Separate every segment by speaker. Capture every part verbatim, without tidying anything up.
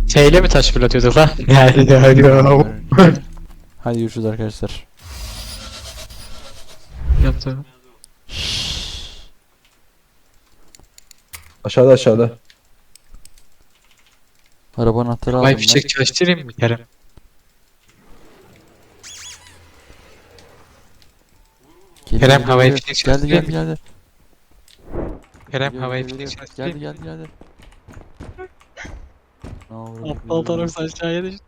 Speaker 1: Şeyle mi taş fırlatıyorduk lan? Yani yani.
Speaker 2: Hadi görüşürüz arkadaşlar.
Speaker 1: Yaptı.
Speaker 3: Aşağıda aşağıda.
Speaker 2: Araba anahtarı aldım
Speaker 1: Vay
Speaker 2: ben.
Speaker 1: fişek çalıştırayım mı Kerem?
Speaker 2: Geliyor,
Speaker 1: Kerem, havaya
Speaker 2: geliyor.
Speaker 1: fişek
Speaker 2: Geldi
Speaker 1: çalıştırayım
Speaker 2: geldi
Speaker 1: mı?
Speaker 2: geldi.
Speaker 1: Kerem
Speaker 2: Geliyor,
Speaker 1: havaya
Speaker 2: geliyor,
Speaker 1: fişek
Speaker 2: geliyor.
Speaker 1: çalıştırayım
Speaker 2: Geldi
Speaker 1: mı?
Speaker 2: geldi geldi. Ne oluyor?
Speaker 1: Aptal taraf aşağıya düştü.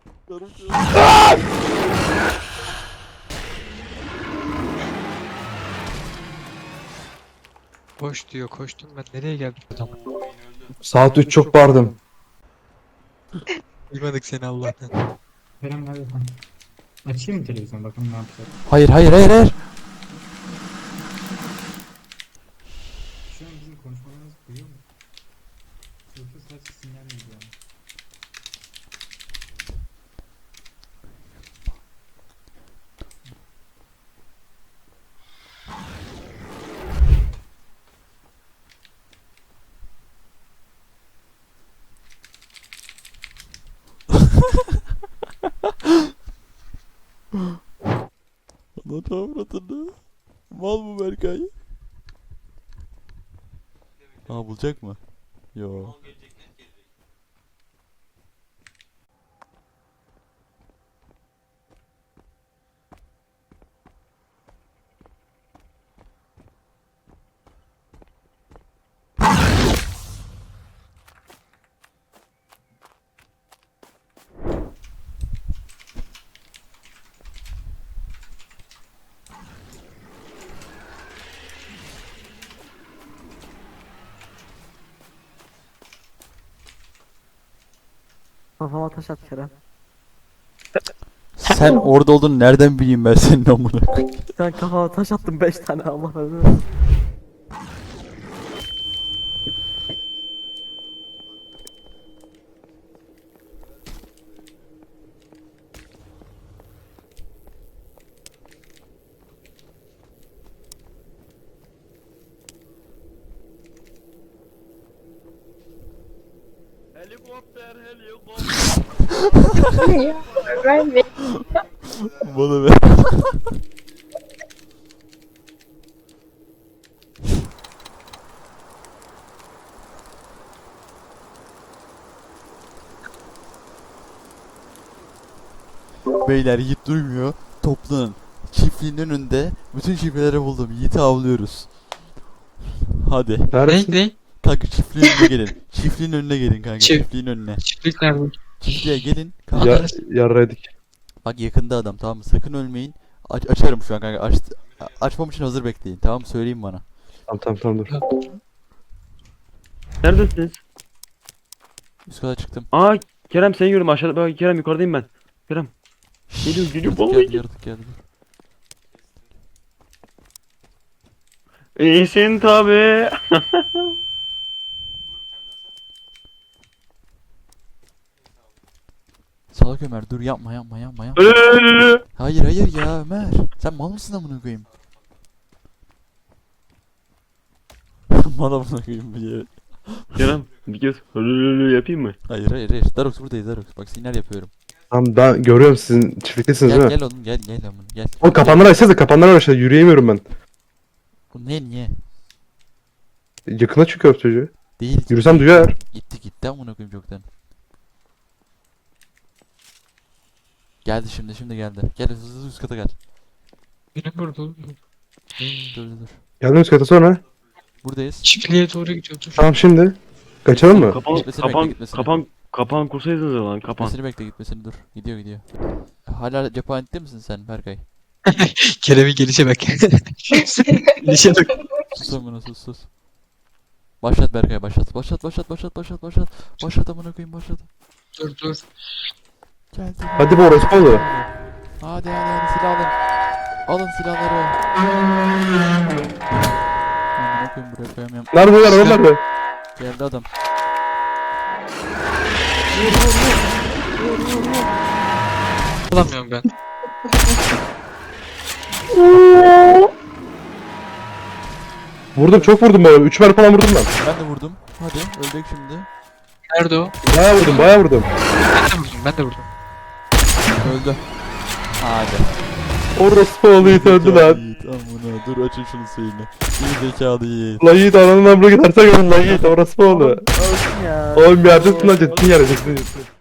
Speaker 1: Koş diyor, koştum ben nereye geldim? Tamam.
Speaker 3: Saat üç çok bağırdım.
Speaker 1: Duymadık seni Allah'tan.
Speaker 4: Kerem hadi lan. Açayım mı televizyon bakalım ne yapacak.
Speaker 2: Hayır hayır hayır hayır.
Speaker 4: Şu an bizim konuşmalarımız duyuyor mu? Yoksa sadece sinyal mi gidiyor?
Speaker 2: Lan avradını. Mal mı Berkay? Aa bulacak mı? Yo.
Speaker 5: Kafama taş at Kerem.
Speaker 2: Sen orada olduğunu nereden bileyim ben senin amına koyayım?
Speaker 5: Sen kafama taş attın beş tane Allah razı olsun.
Speaker 6: Ben de
Speaker 2: Bana ver. Beyler Yiğit duymuyor. Toplanın. Çiftliğin önünde bütün çiftlikleri buldum. Yiğit'i avlıyoruz. Hadi.
Speaker 1: Ne
Speaker 3: Neredesin?
Speaker 1: ne?
Speaker 2: Kanka çiftliğin önüne gelin. Çiftliğin önüne gelin kanka.
Speaker 1: Çift-
Speaker 2: Çiftliğin önüne.
Speaker 1: Çiftlik nerede?
Speaker 2: Çiftliğe gelin. Kanka.
Speaker 3: Ya, yarraydık.
Speaker 2: Bak yakında adam, tamam mı? Sakın ölmeyin. Aç açarım şu an kanka. Aç açmam için hazır bekleyin. Tamam mı? Söyleyin bana.
Speaker 3: Tamam tamam tamam dur.
Speaker 7: Neredesiniz?
Speaker 2: Üst kata çıktım.
Speaker 7: Aa Kerem seni görüyorum aşağıda. Bak Kerem yukarıdayım ben. Kerem. Geliyor geliyor
Speaker 2: Yaratık
Speaker 7: vallahi.
Speaker 2: geldi, yaratık geldi.
Speaker 7: İyisin tabi.
Speaker 2: Salak Ömer dur, yapma yapma yapma yapma.
Speaker 7: Ölü.
Speaker 2: Hayır hayır ya Ömer. Sen mal mısın amına koyayım? Mal amına koyayım diye.
Speaker 7: Kerem bir kez ölü yapayım mı?
Speaker 2: Hayır hayır hayır. Darox buradayız Darox. Bak sinyal yapıyorum.
Speaker 3: Tamam ben görüyorum sizin çiftliktesiniz
Speaker 2: Gel
Speaker 3: değil mi?
Speaker 2: gel oğlum gel gel amına gel.
Speaker 3: Oğlum kapanları açsanıza, kapanları aşağıda yürüyemiyorum ben.
Speaker 2: Bu ne niye?
Speaker 3: Yakına çıkıyor çocuğu.
Speaker 2: Değil.
Speaker 3: Yürüsem duyar.
Speaker 2: Gitti gitti amına koyayım çoktan. Geldi şimdi şimdi geldi. Gel hızlı hızlı üst kata gel.
Speaker 1: Benim burada oğlum.
Speaker 2: Dur dur dur.
Speaker 3: Geldim üst kata sonra.
Speaker 1: Çiftliğe
Speaker 2: Buradayız.
Speaker 1: doğru gidiyordur.
Speaker 3: Tamam şimdi. Kaçalım mı?
Speaker 7: Kapan
Speaker 2: Gitmesini bekle,
Speaker 7: kapan
Speaker 2: gitmesini.
Speaker 7: kapan kapan kursaydınız ya lan kapan.
Speaker 2: Gitmesini bekle gitmesini dur. Gidiyor gidiyor. Hala cephanede misin sen Berkay?
Speaker 1: Kerem'in gelişe bak. Gelişe bak.
Speaker 2: Sus amına sus sus. Başlat Berkay başlat. Başlat başlat başlat başlat başlat. Başlat amına koyayım başlat.
Speaker 1: Dur dur.
Speaker 2: Geldi.
Speaker 3: Hadi bu orospu oldu.
Speaker 2: Hadi hadi hadi silah alın. Alın silahları. Amına koyayım buraya koyamıyorum.
Speaker 3: Neredeler oğlum nerede?
Speaker 2: Geldi adam.
Speaker 1: Alamıyorum ben.
Speaker 3: Vurdum çok vurdum ben. üç mermi falan vurdum ben.
Speaker 2: Ben de vurdum. Hadi öldük şimdi.
Speaker 1: Nerede o?
Speaker 3: Bayağı vurdum bayağı vurdum.
Speaker 1: Ben de vurdum. Ben de vurdum.
Speaker 2: Öldü. Hadi.
Speaker 3: Orospu oğlu Yiğit öldü lan.
Speaker 2: Yiğit amına dur açın şunu suyunu. İyi zekalı Yiğit.
Speaker 3: Lan Yiğit ananın amına gidersen görün lan Yiğit orospu oğlu.
Speaker 5: Öldüm ya.
Speaker 3: Oğlum bir yerde tutun lan ciddi yere ciddi ciddi.